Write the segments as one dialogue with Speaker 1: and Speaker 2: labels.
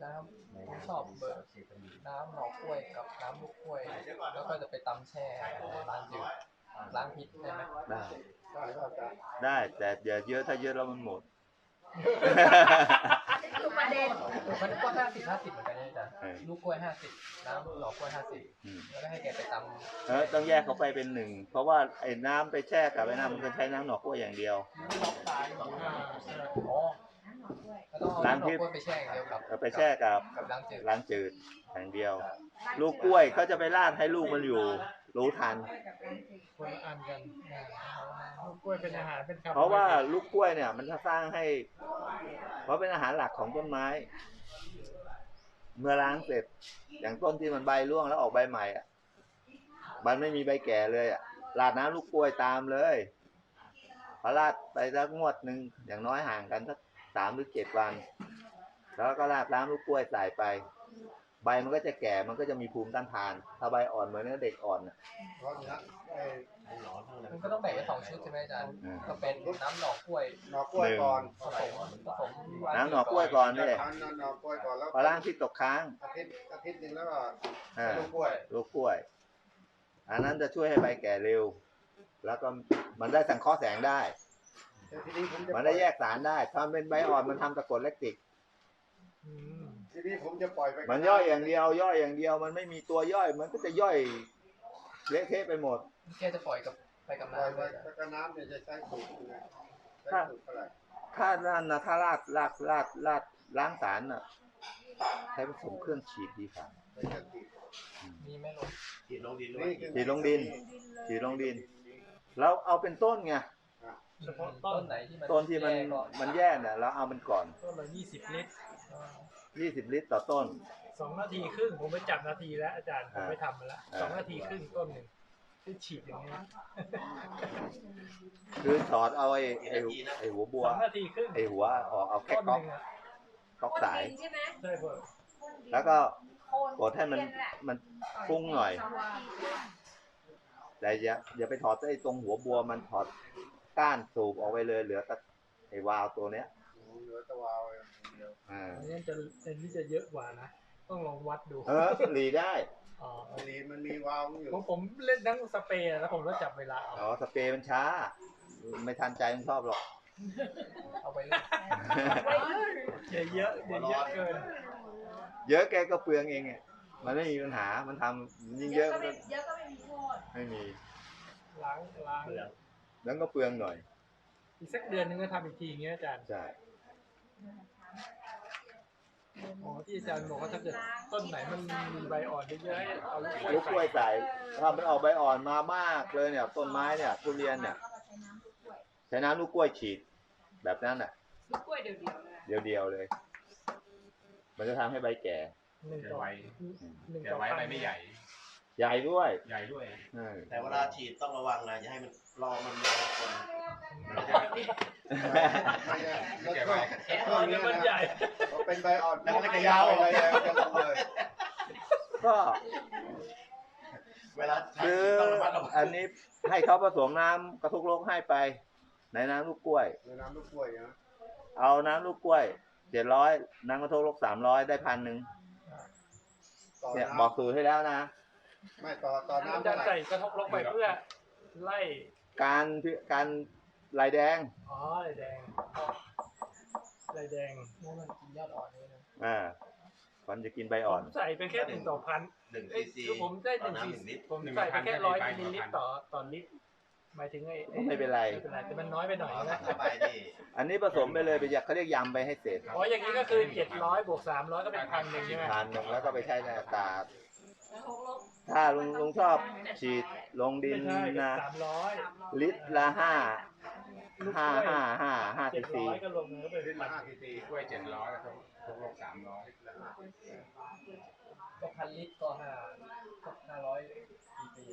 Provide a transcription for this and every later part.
Speaker 1: น้ำผมชอบเบอร์น้ำหน่อกล้วยกับน้ำลูกกล้วยแล้วก็จะไปตำแช่ล้างจืดล้างพิษได้ไหม
Speaker 2: ได้แต่อย่าเยอะถ้าเยอะแล้วมันหมด
Speaker 3: คือประเด็น
Speaker 1: มันก็50-50เหมือนกันอาจารย์ลูกกล้วย50น้ำหน่อกล้วย50แล้วก็ให้แกไปตำ
Speaker 2: ต้องแยกเขาไปเป็นหนึ่งเพราะว่าไอ้น้ำไปแช่กับไอ้น้ำมันก็ใช้น้ำหน่อกล้วยอย่างเดียว
Speaker 1: ล้างพิษไปแช่อย่างเดียวกับ
Speaker 2: ไปแช่กับล้างจืดอย่างเดียวลูกกล้วยเขาจะไปราดให้ลูกมันอยู่รู้ทัน
Speaker 4: คนละอันกันลูกกล้วยเป็นอาหารเป็น
Speaker 2: เพราะว่าลูกกล้วยเนี่ยมันจะสร้างให้เพราะเป็นอาหารหลักของต้นไม้เมื่อล้างเสร็จอย่างต้นที่มันใบร่วงแล้วออกใบใหม่อ่ะมันไม่มีใบแก่เลยอ่ะราดน้ำลูกกล้วยตามเลยพอราดไปสักงวดหนึ่งอย่างน้อยห่างกันสัก3 หรือ 7 วันแล้วก็ราดน้ำลูกกล้วยใส่ไปใบมันก็จะแก่มันก็จะมีภูมิต้านทานถ้าใบอ่อนเหมือนเด็กอ่อน
Speaker 1: มันก็ต้องแบ่งเป็น2 ชุดใช่ไหมอาจารย์ก็เป็นน้ำหน่อกล้วย
Speaker 2: ก่อน
Speaker 1: ผสม
Speaker 2: น้ำหน่อกล้วยก่อนนี่พอล้างที่ตกค้าง
Speaker 5: อาทิตย์นึงแล้วก็
Speaker 2: ลูกกล้วยอันนั้นจะช่วยให้ใบแก่เร็วแล้วก็มันได้สังเคราะห์แสงได้มันได้แยกสารได้ถ้าเป็นใบอ่อนมันทำตะกรวดแลคติก
Speaker 5: ทีนี้ผมจะปล่อยไป
Speaker 2: มันย่อยอย่างเดียวมันไม่มีตัวย่อยมันก็จะย่อยเละเทะไปหมด
Speaker 1: แกจะปล่อยไปกับน้ำ
Speaker 5: ไปกับน้ำเนี่ยจะใช้สูตร
Speaker 2: ถ้านั่นนะถ้าลาดล้างสารน่ะใช้ผสมเครื่องฉีดดีกว่า
Speaker 1: มีไหมลุง
Speaker 2: ฉีดลงดินแล้วเอาเป็นต้นไง
Speaker 4: เฉพาะต้นไหน
Speaker 2: ต้นที่มันแย่เนี่ยเราเอามันก่อน
Speaker 4: ต้นละ20 ลิตร
Speaker 2: 20 ลิตรต่อต้น
Speaker 4: 2 นาทีครึ่งผมไปจับนาทีแล้วอาจารย์ผมไปทำมาแล้ว2 นาทีครึ่งต้นหนึ่งที่ฉีดอย่างนี้
Speaker 2: คือถอดเอาไอ้หัวบัว
Speaker 4: 2 นาทีครึ่ง
Speaker 2: ไอ้หัวออกเอาแค่ก๊อกสาย
Speaker 4: ใช่เพื่อ
Speaker 2: แล้วก็กดให้มันฟุ้งหน่อยแต่อย่าไปถอดไอ้ตรงหัวบัวมันถอดก้านสูบออกไปเลยเหลือแต่ไอ้วาล์วตัวเนี้ย
Speaker 5: เหลือแต่วาล์วเดียว
Speaker 4: อันนี้จะเยอะกว่านะต้องลองวัดดู
Speaker 2: หลีได้
Speaker 5: หลีมันมีวาล์วอยู่
Speaker 4: ผมเล่นทั้งสเปรย์แล้วผมก็จับเวลา
Speaker 2: สเปรย์มันช้าไม่ทันใจมันชอบหรอก
Speaker 1: เอาไปเลย
Speaker 4: เยอะเกิน
Speaker 2: เยอะแกก็เปลืองเองไงมันไม่มีปัญหามันทำยิ่งเยอะก็ไม่มีโทษไม่มี
Speaker 4: ล้าง
Speaker 2: แล้วก็เปลืองหน่อย
Speaker 4: อีกสักเดือนนึงก็ทำอีกทีอย่างเงี้ยอาจารย์
Speaker 2: ใช่
Speaker 4: ที่อาจารย์บอกว่าถ้าเกิดต้นไหนมันมีใบอ่อนเยอะๆให้เอา
Speaker 2: ลูกกล้วยใส่ถ้ามันออกใบอ่อนมามากเลยเนี่ยต้นไม้เนี่ยทุเรียนเนี่ยใช้น้ำลูกกล้วยฉีดแบบนั้นน่ะ
Speaker 3: ลูกกล้วยเ
Speaker 2: ดียวเลยมันจะทำให้ใบแก่
Speaker 4: ไว
Speaker 6: ใบไม่ใหญ่
Speaker 2: ด้วย
Speaker 6: แต่เวลาฉีดต้องระวังนะอย่าให้มันรอมันคน
Speaker 5: แก่ใบ
Speaker 4: มันใหญ่
Speaker 5: เป็นใบอ่อนแล้วก็ยาวเลย
Speaker 2: ก็
Speaker 6: เวลา
Speaker 2: คืออันนี้ให้เขาผสมน้ำกระทุกโลกให้ไปในน้ำลูกกล้วย
Speaker 5: นะ
Speaker 2: เอาน้ำลูกกล้วย700น้ำกระทุกโลก300ได้1,000เนี่ยบอกสูตรให้แล้วนะ
Speaker 5: ไม่ต่อน้ำ
Speaker 4: จะใส่กระทบลงไปเพื่อไล่
Speaker 2: การลายแดง
Speaker 4: ลายแดง
Speaker 1: นี่มันกินยอดอ่อนเลยนะ
Speaker 2: มันจะกินใบอ่อน
Speaker 4: ใส่ไปแค่1 ต่อ 1,000คือผมได้1 ลิตรผมใส่ไปแค่100 มิลลิลิตรต่อลิตรหมายถึง
Speaker 2: ไม่เป็นไร
Speaker 4: แต่มันน้อยไปหน่อยนะ
Speaker 2: อันนี้ผสมไปเลยไปเขาเรียกยำไปให้เสร็จ
Speaker 4: อย่างนี้ก็คือ700 บวก 300ก็เป็น1,000ใช่ไหม
Speaker 2: 1,000แล้วก็ไปใช้ในอากาศถ้าลุงชอบฉีดลงดินนะลิตรละ5 ซีซี
Speaker 4: ก็รวมเนื้อไป
Speaker 6: 5 ซีซีกล้วย700ครับทุกโลก300
Speaker 1: ก็1,000 ลิตรก็500 ซีซี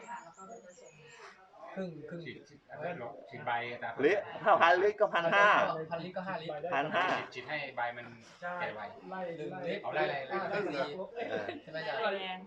Speaker 1: ครึ่ง
Speaker 6: ฉีดใบ
Speaker 2: ลิตรถ้า1,000 ลิตรก็1,500
Speaker 1: 1,000 ลิตรก็5 ลิตร
Speaker 2: 1,500
Speaker 6: ฉีดให้ใบมันแก่ไว
Speaker 1: เอาได้ใช่ไหมจ๊ะ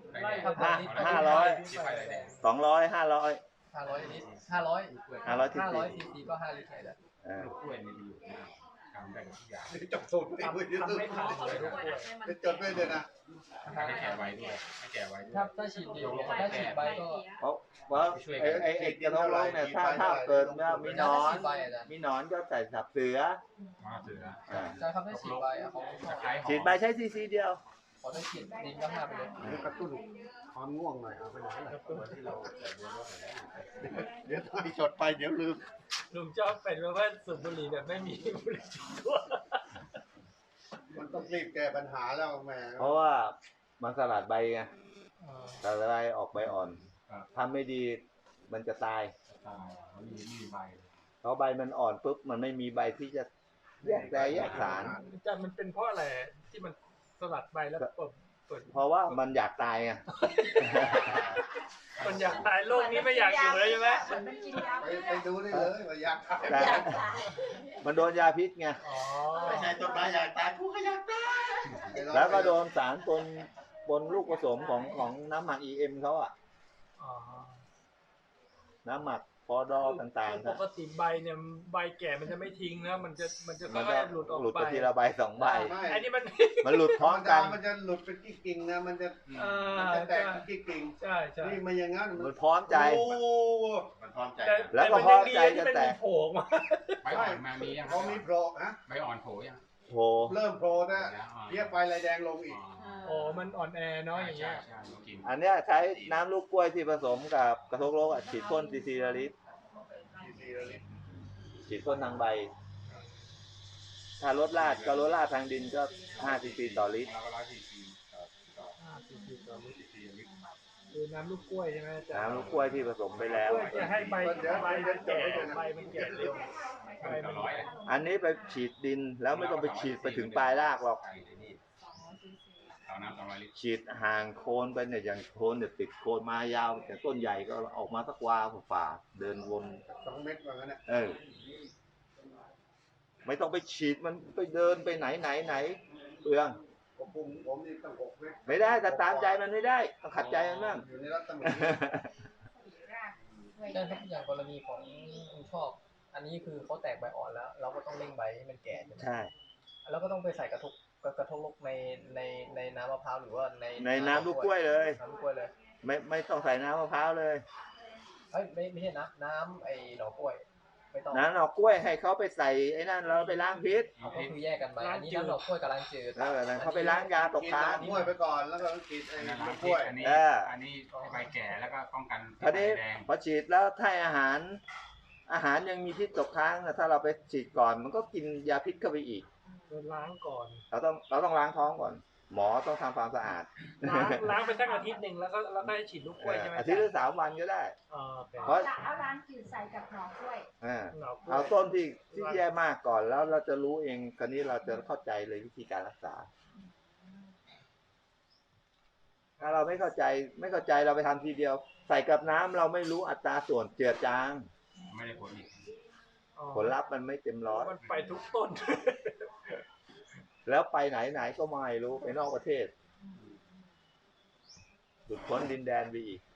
Speaker 2: 500 200 500
Speaker 1: 500 ลิตร500 ซีซีก็5 ลิตรเลย
Speaker 6: ลูกกล้วยมีประโยชน์มาก
Speaker 3: ำได้ทุกอย่าง
Speaker 5: จบสูตรไม่
Speaker 4: ทำ
Speaker 5: คุย
Speaker 4: ทำไม่ทัน
Speaker 7: เขา
Speaker 4: เลย
Speaker 7: ด้
Speaker 4: ทุก
Speaker 7: วย
Speaker 4: คน
Speaker 7: ให้มัน
Speaker 5: จะจดไว้เลยนะ
Speaker 3: ให้แก่ไว้ด้วยให้แก่ไว้ด้วย
Speaker 1: ถ้าฉีดดีเนี่ยถ้าฉีดใบก็
Speaker 2: เพราะว่าไอ้กระทงโลกเนี่ยถ้าเกิดว่ามีหนอน
Speaker 1: ฉีดใบอาจารย์
Speaker 2: มีหนอนก็ใส่สับเสือ
Speaker 3: มาเสือ
Speaker 2: อ่า
Speaker 1: อาจารย์ครับถ้าฉีดใบอ่ะเขาชอบ
Speaker 3: ตะไคร้หอม
Speaker 2: ฉีดใบใช้ซีเดียว
Speaker 1: ขอถ้าฉีดดินก็ห้าไปเลย
Speaker 5: นี่กระตุ้นความง่วงหน่อยเอาไปไหนล่ะ
Speaker 6: ที่เราใส่บัวรถไปแล้ว
Speaker 5: เดี๋ยวถ้าจดไปเดี๋ยวลืม
Speaker 4: ลุงชอบเป็นว่าสูบบุหรี่แบบไม่มีบุหรี่ตัว
Speaker 5: มันต้องรีบแก้ปัญหาแล้วแม่
Speaker 2: เพราะว่ามันสลัดใบไงสลัดใบออกใบอ่อนทำไม่ดีมันจะตาย
Speaker 3: ตายมันมีใบ
Speaker 2: เพราะใบมันอ่อนปุ๊บมันไม่มีใบที่จะแยกแยกสาร
Speaker 4: อาจารย์มันเป็นเพราะอะไรที่มันสลัดใบแล้วเปิด
Speaker 2: เพราะว่ามันอยากตายไง
Speaker 4: มันอยากตายโลกนี้ไม่อยากอยู่แล้วใช่ไหม
Speaker 7: มันกินยา
Speaker 5: ไปดูได้เลยว่าอยากตาย
Speaker 2: แต่มันโดนยาพิษไง
Speaker 4: อ๋อ
Speaker 6: ไม่ใช่ต้นไม้อยากตายกูก็อยากตาย
Speaker 2: แล้วก็โดนสารปนลูกผสมของน้ำหมัก EM เขาอะ
Speaker 4: อ๋อ
Speaker 2: น้ำหมักปอดอต่างๆ
Speaker 4: ปกติใบเนี่ยใบแก่มันจะไม่ทิ้งนะมันจะ
Speaker 2: มัน
Speaker 4: ค่
Speaker 2: จะ
Speaker 4: อยๆหลุดออก
Speaker 2: หลุด
Speaker 4: ไป
Speaker 2: ไปทีละใบสองใบ
Speaker 5: ไม่
Speaker 4: อันนี้มัน
Speaker 2: มันหลุดพร้อม
Speaker 5: กั
Speaker 2: กัน น
Speaker 5: มันจะหลุดเป็นกิ่งๆนะมันจะ
Speaker 4: อ่า
Speaker 5: มันจะแต
Speaker 4: ใช่
Speaker 5: กเป็นกิ่ง
Speaker 4: ใช่ใช่
Speaker 5: ๆนี่มันอย่างงั้น
Speaker 2: มันพร้อมใจ
Speaker 5: โอ้
Speaker 6: มันพร้อมใจ
Speaker 4: แต่
Speaker 2: แล้วก็
Speaker 4: มัน
Speaker 2: พอ
Speaker 4: ยังดี
Speaker 2: ใจ
Speaker 4: ที่
Speaker 2: จะ
Speaker 4: มัน
Speaker 2: แต
Speaker 4: มี
Speaker 2: ก
Speaker 4: โผล่มา
Speaker 3: ใบอ่อนมามียัง
Speaker 5: พอมีโผล่ฮะ
Speaker 3: ใบอ่อนโผล่ยัง
Speaker 2: โห
Speaker 5: เริ่มโผล่นะเรียกไฟลายแดงลงอีก
Speaker 4: อ๋อมันอ่อนแอเนาะอย่างเงี้ย
Speaker 3: ใช่กิน
Speaker 2: อันเนี้ยใช้น้ำลูกกล้วยที่ผสมกับกระทงโลกอะฉีดพ่นซีละลิตรฉีดพ่นทางใบ ถ้ารถลาดก็รถลาดทางดินก็5 cc ต่อลิตร
Speaker 3: แล้วก็100 cc
Speaker 4: 4 ต่อลิตร
Speaker 3: cc ลิตร
Speaker 4: คือน้ำลูกกล้วยใช่ไหมอาจารย์
Speaker 2: น้ำลูกกล้วยที่ผสมไปแล้ว
Speaker 4: เพื่อจะให้ใบมันแก่ใบมันแก่เร็วใบ
Speaker 3: ต่
Speaker 4: มั
Speaker 3: อน ร้อย
Speaker 2: อันนี้ไปฉีดดินแล้วไม่ต้องไปฉีดไปถึงปลายรากหรอก
Speaker 3: ต่อน้ำ200 ลิตร
Speaker 2: ฉีดห่างโคนไปเนี่ยอย่างโคนเนี่ยติดโคนมายาวแต่ต้นใหญ่ก็ออกมาสักวาฝ่าเดินวน
Speaker 5: 2 เม็ดว่างั้นนะ
Speaker 2: ไม่ต้องไปฉีดมันไปเดินไปไหนเปลือง
Speaker 5: ผมนี่ต้อง6 เม็ด
Speaker 2: ไม่ได้แต่ตามใจมันไม่ได้ต้องขัดใจมันบ้าง
Speaker 5: อยู่ในรัศมี
Speaker 1: ใช่ครับอย่างกรณีของคุณชอบ อันนี้คือเขาแตกใบอ่อนแล้ว เราก็ต้องเร่งใบให้มันแก่ใช่ไหม
Speaker 2: ใช่
Speaker 1: แล้วก็ต้องไปใส่กระทงลกในน้ำมะพร้าวหรือว่าใน
Speaker 2: น้ำลูกกล้วยเลย
Speaker 1: น้ำลูกกล้วยเลย
Speaker 2: ไม่ต้องใส่น้ำมะพร้าวเลย
Speaker 1: เฮ้ยไม่ใช่น้ำไอ้หน่อกล้วย ไม่ต้อง
Speaker 2: น้ำหน่อกล้วยให้เขาไปใส่ไอ้นั่นแล้วไปล้างพิษ
Speaker 1: ก็คือแยกกันไปอันนี้น้ำหน่อกล้วยกับล้างจืด
Speaker 2: เขาไปล้างยาตก
Speaker 5: กิน
Speaker 2: ค้าง
Speaker 5: น้ำกล้วยไปก่อนแล้วก็กินไอ้
Speaker 3: อันนั้น
Speaker 5: น้ำกล้วย
Speaker 3: อันนี้อันนี้ใบแก่แล้วก็ป้องกัน
Speaker 2: คราวนี้
Speaker 3: แดง
Speaker 2: พอฉีดแล้วถ้าอาหารยังมีพิษตกค้างนะถ้าเราไปฉีดก่อนมันก็กินยาพิษเข้าไปอีก
Speaker 4: ล้างก่อน
Speaker 2: เราต้องล้างท้องก่อน หมอต้องทำความสะอาด
Speaker 4: ล้างไปสักอาทิตย์หนึ่งแล้วก็ให้ฉีดลูกกล้วยใช่ไหม
Speaker 2: อาทิตย์ละ3 วันก็ได้
Speaker 4: อ๋อโอเค
Speaker 2: เพราะ
Speaker 7: เอาล้างจืดใส่กับหน่อกล้วย
Speaker 4: หน่อกล้วย
Speaker 2: เอาต้นที่แย่มากก่อนแล้วเราจะรู้เองคราวนี้เราจะเข้าใจเลยวิธีการรักษา ถ้าเราไม่เข้าใจเราไปทำทีเดียว ใส่กับน้ำเราไม่รู้อัตราส่วนเจือจาง
Speaker 3: ไม่ได้ผลอีก
Speaker 4: อ๋อ
Speaker 2: ผลลัพธ์มันไม่เต็มร้อย
Speaker 4: มันไปทุกต้น
Speaker 2: แล้วไปไหนก็ไม่รู้ไปนอกประเทศหลุดพ้นดินแดนไปอีก